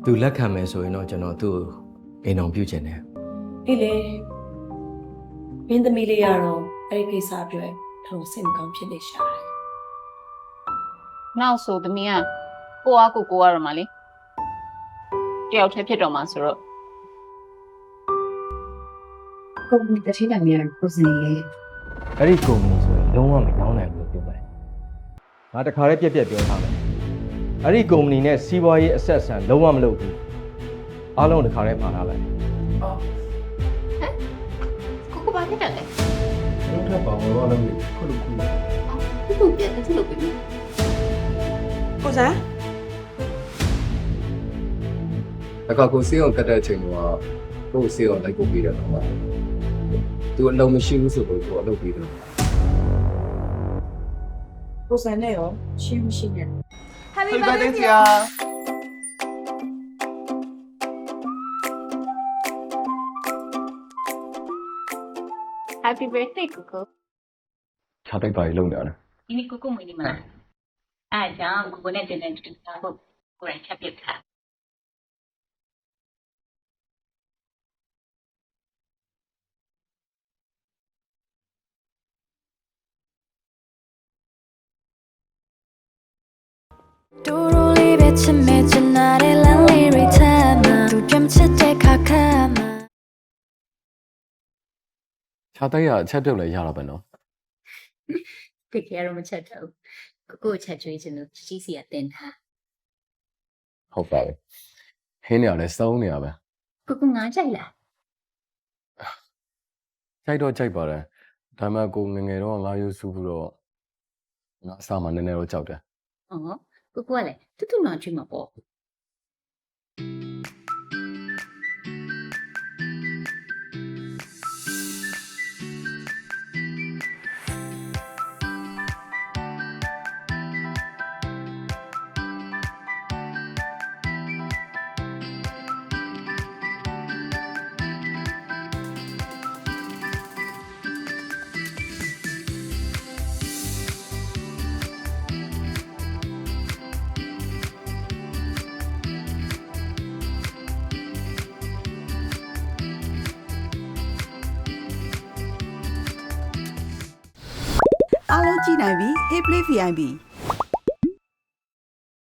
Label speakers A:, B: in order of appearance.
A: သူလက်ခံမယ်ဆိုရင်တော့ကျွန်တော်သူ့ကိုအိမ်အောင်ပြုတ်ခြင်းတယ်
B: ဒီလေမင်းသမီးလေးကတော့အဲ့ဒီကိစ္စအတွက်ထောင်စိတ်မကောင်းဖြစ်နေရှာတယ်
C: နောက်ဆိုသမီးကကိုအားကိုရတော့မှာလေတယောက်တည်းဖြစ်တော့မှာဆိုတော့
D: ကိုယ်ကတတိယမြန်ကိုစနေလေ
A: အဲ့ဒီကုမ္ပဏီဆိုရင်လုံးဝမတောင်းနိုင်ဘူးလို့ပြောပါတယ်ငါတခါတည်းပြက်ပြောထားမယ်အဲ့ဒီကုမ္ပဏီနဲ့စီးပွားရေးအဆက်အဆံလုံးဝမလုပ်ဘူးအားလုံးတခါတည်းမှာထားလိုက်
C: ကိုဘာဖြစ်တယ်လဲ
A: လုံးထပ်ပါဘောလုံးလေးခုလိုခုလို
C: သူ့ပြန်တက်လို့ပြီ
B: ကိုစား
E: တခါကိုစေးအောင်ကတ်တဲ့အချိန်ကကိုစေးအောင်လိုက်ပို့ပေးတယ်တော့သူအလုံးမရှိဘူးဆိုတော့ကိုအလုပ်ပေးတယ်
B: ကိုစားနဲ့ရောရှင်းမရှိနဲ့
F: Happy birthday ဆရာ
C: Happy birthday ကိုကို
E: ခြားတိုက်ပါလေလုံနေရတယ်
C: ဒီနေ့ကိုကိုမွေးနေမှာအားကြောင့်ကိုကိုနဲ့တင်တဲ့တူတာဖို့ကိုယ်ချက်ပြစ်ထား
G: တူတူလေးပဲချစ်မဲ့ချင်တာတဲ့လမ်းလေးတွေထဲမှာသူကြမ်းချစ်တဲ့ခါခါမှာ
E: ခြားတိုက်ရအချက်ပြုတ်လဲရတော့ပဲနော်
C: တကယ်တော့မချက်တော့ကိုကိုချက်ကျွေးချင်လို့ကြီးစီကတင်ထား
E: ဟုတ်ပါပဲဟင်းနေရလဲစုံးနေရပဲ
C: ကိုကိုငါကြိုက်လား
E: ကြိုက်တော့ကြိုက်ပါတယ်ဒါမှကိုငငယ်တော့ငါယူစုပြီးတော့ငါအစားမှနည်းနည်းတော့ကြောက်တယ်
C: ဟောကိုကိုကလည်းတူတူနောင်ကျွေးမှာပေါ့
F: အားလုံးကြည့်နိုင်ပြီ Hey Play VIP